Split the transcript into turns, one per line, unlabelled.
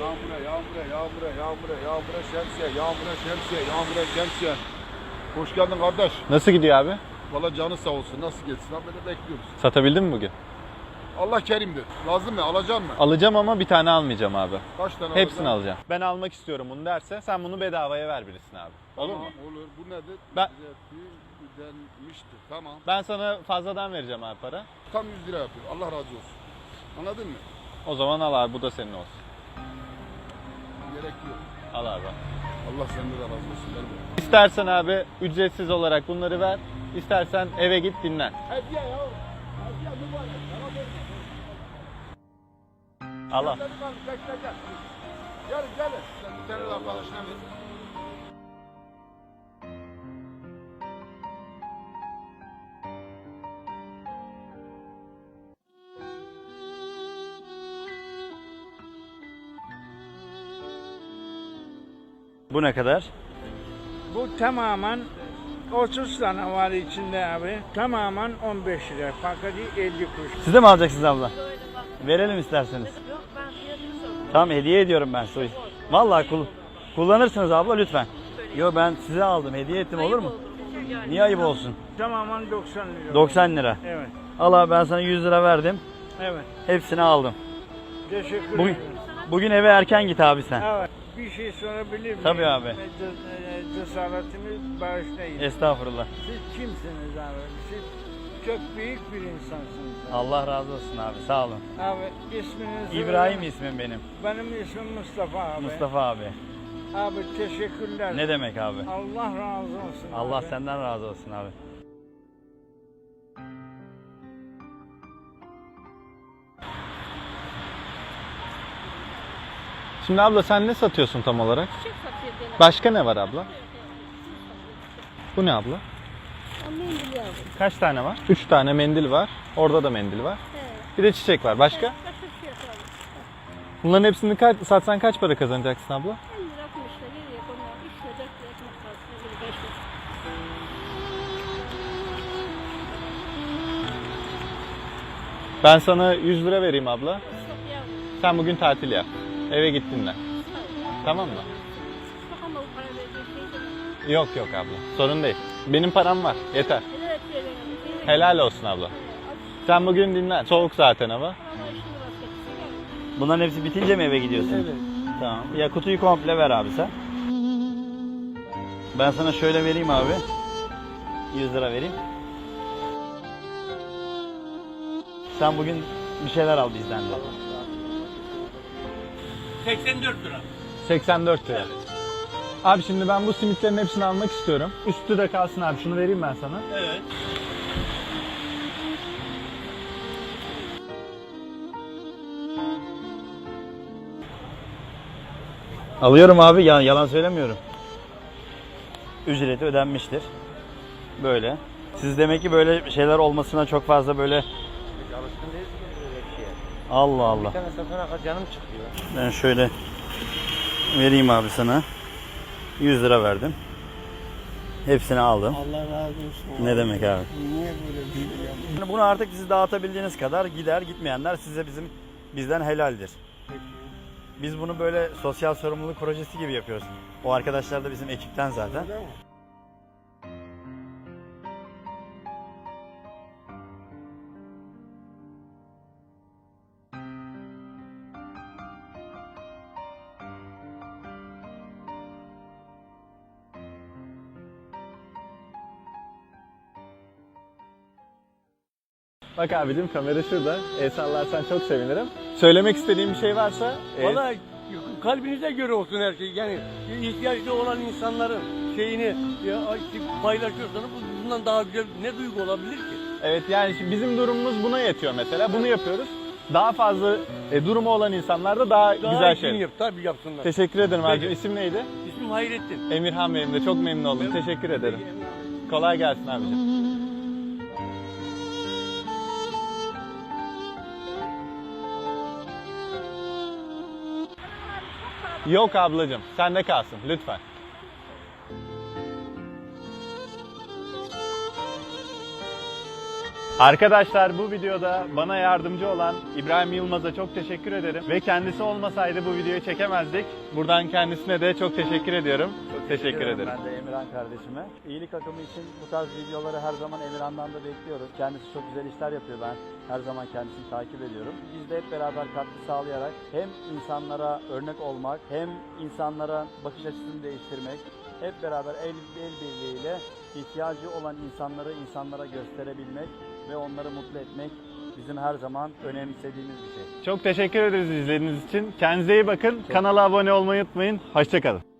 Yağmura şemsiye. Hoş geldin kardeş.
Nasıl gidiyor abi?
Valla canı sağ olsun. Nasıl geçsin abi, böyle bekliyoruz.
Satabildin mi bugün?
Allah kerimdir. Lazım mı? Alacaksın mı?
Alacağım ama bir tane almayacağım abi.
Kaç tane
Hepsini
alacaksın?
alacağım. Ben almak istiyorum bunu derse sen bunu bedavaya ver birisine abi. Olur mu?
Olur. Bu nedir?
Ben-
Denmiştir. Tamam.
Ben sana fazladan vereceğim abi para.
Tam 100 lira yapıyor. Allah razı olsun. Anladın mı?
O zaman al abi, bu da senin olsun.
Gerek yok.
Al abi.
Allah senden de razı olsun. Ver bunu.
İstersen abi ücretsiz olarak bunları ver. İstersen eve git dinlen.
Hediye ya. Hediye mübarek.
Al al.
Gel. Gelin. Sen bir tane de arkadaşına ver.
Bu ne kadar?
Bu tamamen 30 tane var içinde abi. Tamamen 15 lira. Paketi 50 kuruş.
Siz de mi alacaksınız abla? Verelim isterseniz.
Yok ben fiyatını sordum.
Tamam, hediye ediyorum ben size. Vallahi kullanırsınız abla lütfen. Yo, ben size aldım, hediye ettim, olur mu? Niye ayıp olsun?
Tamamen 90 lira.
90 lira.
Evet.
Al abi, ben sana 100 lira verdim.
Evet.
Hepsini aldım.
Teşekkür
Bugün,
ederim.
bugün eve erken git abi sen.
Evet. Bir şey sorabilir miyim?
Tabii abi.
Cesaretimi bağışlayın.
Estağfurullah.
Siz kimsiniz abi? Siz çok büyük bir insansınız. Abi.
Allah razı olsun abi, sağ olun.
Abi isminiz?
İbrahim ismim benim.
Benim ismim Mustafa abi.
Mustafa abi.
Abi teşekkürler.
Ne demek abi?
Allah razı olsun.
Allah
abi.
senden razı olsun abi.
Şimdi abla sen ne satıyorsun tam olarak?
Çiçek satıyor gene.
Başka ne var abla? Bu ne abla?
Mendil yavrum.
Kaç tane var? 3 tane mendil var. Orada da mendil var.
He.
Bir de çiçek var. Başka?
Başka fiyat aldım.
Bunların hepsini satsan kaç para kazanacaksın abla?
50 lira 60 lira geriye konuyor. 3 lira 4 lira ekmek parası. 5 lira.
Ben sana 100 lira vereyim abla.
Çok yavrum.
Sen bugün tatil yap. Eve git dinlen. Tamam mı?
Çok ama o para verecek şey de.
Yok yok abla. Sorun değil. Benim param var. Yeter.
Evet verelim.
Helal olsun abla. Sen bugün dinlen. Soğuk zaten hava.
Ama işini vazgeçsin.
Bunların hepsi bitince mi eve gidiyorsun?
Evet.
Tamam. Ya kutuyu komple ver abi sen. Ben sana şöyle vereyim abi. 100 lira vereyim. Sen bugün bir şeyler al bizden de.
84 lira. Abi şimdi ben bu simitlerin hepsini almak istiyorum. Üstü de kalsın abi. Şunu vereyim ben sana.
Evet. Alıyorum abi, yalan söylemiyorum. Ücreti ödenmiştir. Böyle. Siz demek ki böyle şeyler olmasına çok fazla böyle...
Alışkın değiliz ki böyle bir şeye.
Allah Allah.
Bir tane satana canım çıkıyor.
Ben şöyle vereyim abi sana. 100 lira verdim. Hepsini aldım.
Allah razı olsun.
Ne demek abi?
Niye böyle bir şey yapıyorsun?
Bunu artık siz dağıtabildiğiniz kadar gider, gitmeyenler size bizden helaldir. Biz bunu böyle sosyal sorumluluk projesi gibi yapıyoruz. O arkadaşlar da bizim ekipten zaten.
Bak abicim, kamera şurada. El sallarsan çok sevinirim. Söylemek istediğim bir şey varsa...
Valla kalbinize göre olsun her şey. Yani ihtiyaçlı olan insanların şeyini paylaşıyorsanız bundan daha güzel ne duygu olabilir ki?
Evet, yani şimdi bizim durumumuz buna yetiyor mesela. Bunu yapıyoruz. Daha fazla durumu olan insanlar da daha güzel
iyisini
şey.
yap, tabii yapsınlar.
Teşekkür ederim abicim.
Peki.
İsim neydi?
İsmim Hayrettin.
Emirhan benim de. Çok memnun oldum. Teşekkür ederim. Kolay gelsin abicim. Yok ablacığım. Sende kalsın. Lütfen. Arkadaşlar bu videoda bana yardımcı olan İbrahim Yılmaz'a çok teşekkür ederim. Ve kendisi olmasaydı bu videoyu çekemezdik. Buradan kendisine de çok teşekkür ediyorum. Çok teşekkür ederim.
Ben de Emirhan kardeşime. İyilik akımı için bu tarz videoları her zaman Emirhan'dan da bekliyoruz. Kendisi çok güzel işler yapıyor. Ben her zaman kendisini takip ediyorum. Biz de hep beraber katkı sağlayarak hem insanlara örnek olmak hem insanlara bakış açısını değiştirmek, hep beraber el birliğiyle ihtiyacı olan insanlara gösterebilmek ve onları mutlu etmek bizim her zaman önemsediğimiz bir şey.
Çok teşekkür ederiz izlediğiniz için. Kendinize iyi bakın. Kanala abone olmayı unutmayın. Hoşça kalın.